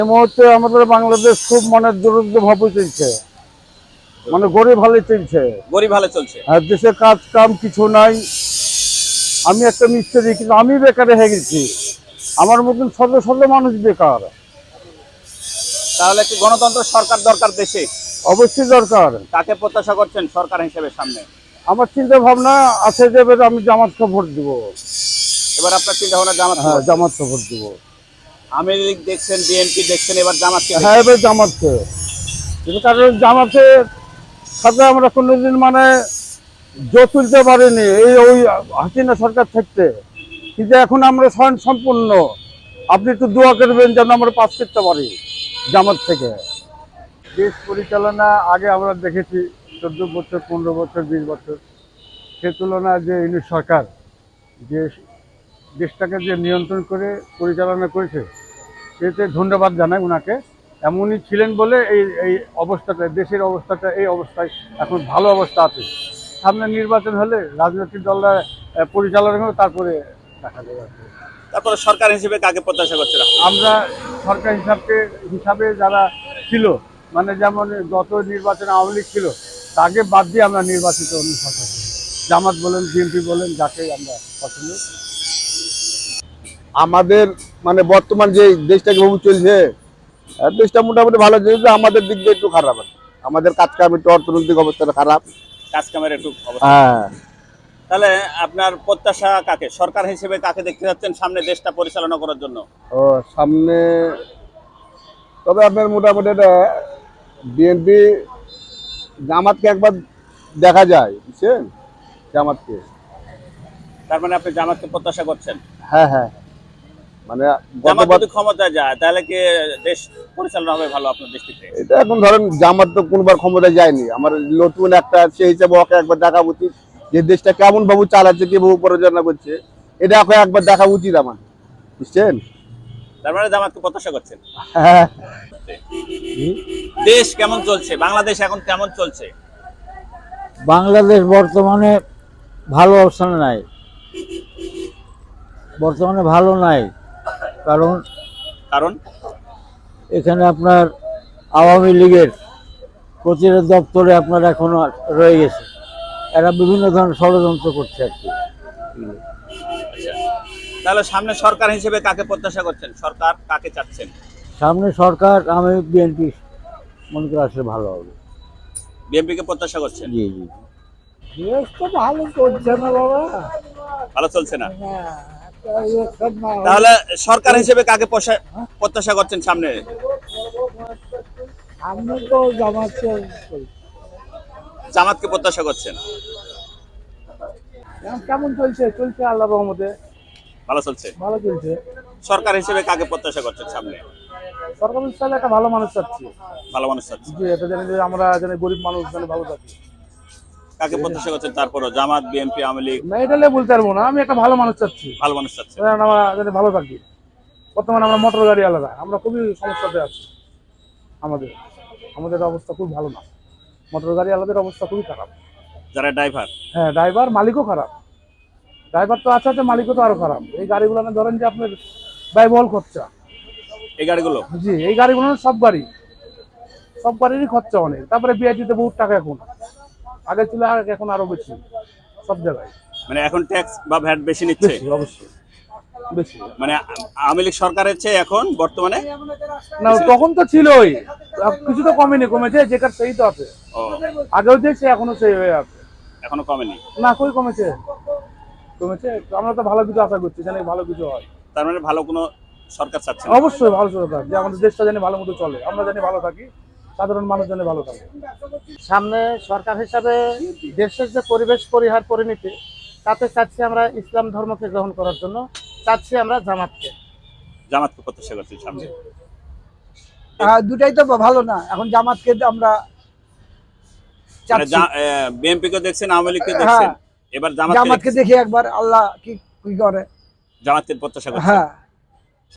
এই মুহূর্তে আমাদের বাংলাদেশ খুব দরিদ্র ভাবে চলছে, গরিব হালে চলছে। গরিব হালে চলছে। আর দেশে কাজ কাম কিছু নাই। আমি একটা মিস্ত্রি, কিন্তু আমি বেকারে হয়ে গেছি। আমার মতন শত শত মানুষ বেকার। তাহলে কি গণতন্ত্র সরকার দরকার দেশে? অবশ্যই দরকার। কাকে প্রত্যাশা করছেন সরকার হিসেবে সামনে? আমার চিন্তা ভাবনা আছে যে এবার আমি জামাতকে ভোট দিব। এবার আপনার চিন্তা ভাবনা জামাত? হ্যাঁ, জামাতকে ভোট দিব। আওয়ামী লীগ দেখছেন, বিএনপি দেখছেন, এবার জামাতকে? হ্যাঁ, এবার জামাতকে। কিন্তু কারণ জামাতের সাথে আমরা কোনোদিন জোট তুলতে পারিনি এই ওই হাসিনা সরকার থাকতে। কিন্তু এখন আমরা স্বয়ং সম্পূর্ণ। আপনি একটু দোয়া করবেন যেন আমরা পাস করতে পারি জামাত থেকে। দেশ পরিচালনা আগে আমরা দেখেছি 14 বছর, 15 বছর, 20 বছর। সে তুলনায় যে ইউনিট সরকার যে দেশটাকে যে নিয়ন্ত্রণ করে পরিচালনা করেছে, এতে ধন্যবাদ জানাই ওনাকে। এমনই ছিলেন বলে এই এই অবস্থাটা, দেশের অবস্থাটা এই অবস্থায় এখন ভালো অবস্থা আছে। সামনে নির্বাচন হলে রাজনৈতিক দলরা পরিচালনা করবে, তারপরে দেখা যাবে। তারপরে সরকার হিসেবে কাকে প্রত্যাশা করছেন? আমরা সরকার হিসাবে যারা ছিল, যেমন গত নির্বাচনে আওয়ামী লীগ ছিল, তাকে বাদ দিয়ে আমরা নির্বাচিত অন্য সরকার, জামাত বলেন, বিএনপি বলেন, যাকে আমরা পছন্দ। আমাদের বর্তমান যে দেশটা কিভাবে চলছে, দেশটা মোটামুটি ভালো চলছে। আমাদের দিক দিয়ে একটু খারাপ আছে। আমাদের কাজ কাম একটু, অর্থনৈতিক অবস্থাটা খারাপ। কাজ কামের একটু অবস্থা। হ্যাঁ। তাহলে আপনার প্রত্যাশা কাকে, সরকার হিসেবে কাকে দেখতে যাচ্ছেন সামনে দেশটা পরিচালনা করার জন্য? ও সামনে তবে আপনার মোটামুটি বিএনপি, জামাতকে একবার দেখা যায়, বুঝছেন? জামাতকে। তার মানে আপনি জামাতকে প্রত্যাশা করছেন? হ্যাঁ, হ্যাঁ। জামাত যদি ক্ষমতায় যায় তাহলে কি দেশ পরিচালনা হবে ভালো আপনার দৃষ্টিতে? এটা এখন ধরেন জামাত তো কোনবার ক্ষমতায় যায়নি। আমার নতুন একটা সেই হিসাবে ওকে একবার দেখা উচিত, যে দেশটা কেমন ভাবে চালাচ্ছে, কিভাবে পরিচালনা করছে, এটা ওকে একবার দেখা উচিত আমার, বুঝছেন? তার মানে জামাতকে প্রত্যাশা করছেন? হ্যাঁ। দেশ কেমন চলছে, বাংলাদেশ এখন কেমন চলছে? বাংলাদেশ বর্তমানে ভালো অবস্থানে নাই, বর্তমানে ভালো নাই। কারণ কারণ এখানে আপনার আওয়ামী লীগের প্রচারের দপ্তরে আপনার এখনো রয়ে গেছে। এরা বিভিন্ন ধরনের ষড়যন্ত্র করছে আর কি। তাহলে সামনে সরকার হিসেবে কাকে প্রত্যাশা করছেন, সরকার কাকে চাচ্ছেন? সামনে সরকার আমি বিএনপি মনে করে আসলে ভালো হবে। বিএনপি কে প্রত্যাশা করছেন? জি জি। দেশ তো ভালো চলছে না বাবা, ভালো চলছে না। তাহলে সরকার হিসেবে কাকে প্রত্যাশা করছেন সামনে? আমি তো জামাতকে প্রত্যাশা করছেন? কেমন চলছে? চলছে আল্লাহর রহমতে, ভালো চলছে। ভালো চলছে। সরকার হিসেবে কাকে প্রত্যাশা করছেন সামনে? সরকার চাইলে একটা ভালো মানুষ চাচ্ছি। ভালো মানুষ চাচ্ছি। জি, এটা জানি যে আমরা জানি গরিব মানুষ যেন ভালো থাকি। কাকে প্রত্যাশা করছেন তারপরও, জামাত, বিএনপি, আওয়ামী লীগ? না, এটা বলতে পারবো না। আমি একটা ভালো মানুষ চাচ্ছি, ভালো মানুষ চাচ্ছেন। আমরা যাতে ভালো থাকি। বর্তমানে আমরা মোটর গাড়ি আলাদা, আমরা খুবই সমস্যাতে আছি। আমাদের আমাদের অবস্থা খুব ভালো না। মোটর গাড়ি আলাদের অবস্থা খুবই খারাপ। যারা ড্রাইভার? হ্যাঁ, ড্রাইভার, মালিকও খারাপ। ড্রাইভার তো আছে, মালিকও তো আরো খারাপ। এই গাড়িগুলো ধরেন যে আপনার ব্যয়বহুল খরচা। এই গাড়িগুলো? জি, এই গাড়িগুলো সব গাড়িরই খরচা অনেক। তারপরে বিআইটিতে বহুত টাকা এখন, আগে ছিল এখন আরো বেশি সব জায়গায়। মানে এখন ট্যাক্স বা ভ্যাট বেশি নিচ্ছে? অবশ্যই বেশি। মানে আওয়ামী লীগ সরকারের চেয়ে এখন বর্তমানে? না, তখন তো ছিলই, কিছু তো কমেনি, কমেছে। যেটার সেই তো আছে, আগেও যে সে এখনো সেই হয়ে আছে। এখনো কমেনি? না, কই কমেছে? কমেছে। আমরা তো ভালো কিছু আশা করছি, জানি ভালো কিছু হয়। তার মানে ভালো কোনো সরকার চাচ্ছেন? অবশ্যই ভালো সরকার, যে আমাদের দেশটা জানি ভালো মতো চলে, আমরা জানি ভালো থাকি, সাধারণ মানুষ জানি ভালো থাকে। সামনে সরকার হিসাবে দেশের যে পরিবেশ পরিহার পরিণতি, তাতে চাচ্ছি আমরা ইসলাম ধর্মকে গ্রহণ করার জন্য চাচ্ছি আমরা জামাতকে। জামাতকে প্রত্যাশা করছি সামনে? দুটাই তো ভালো না, এখন জামাতকে আমরা চাচ্ছি। বিএনপি কে দেখছেন, আওয়ামী লীগকে দেখছেন, এবার জামাতকে দেখি একবার, আল্লাহ কি করে। জামাতকে প্রত্যাশা করছেন? হ্যাঁ।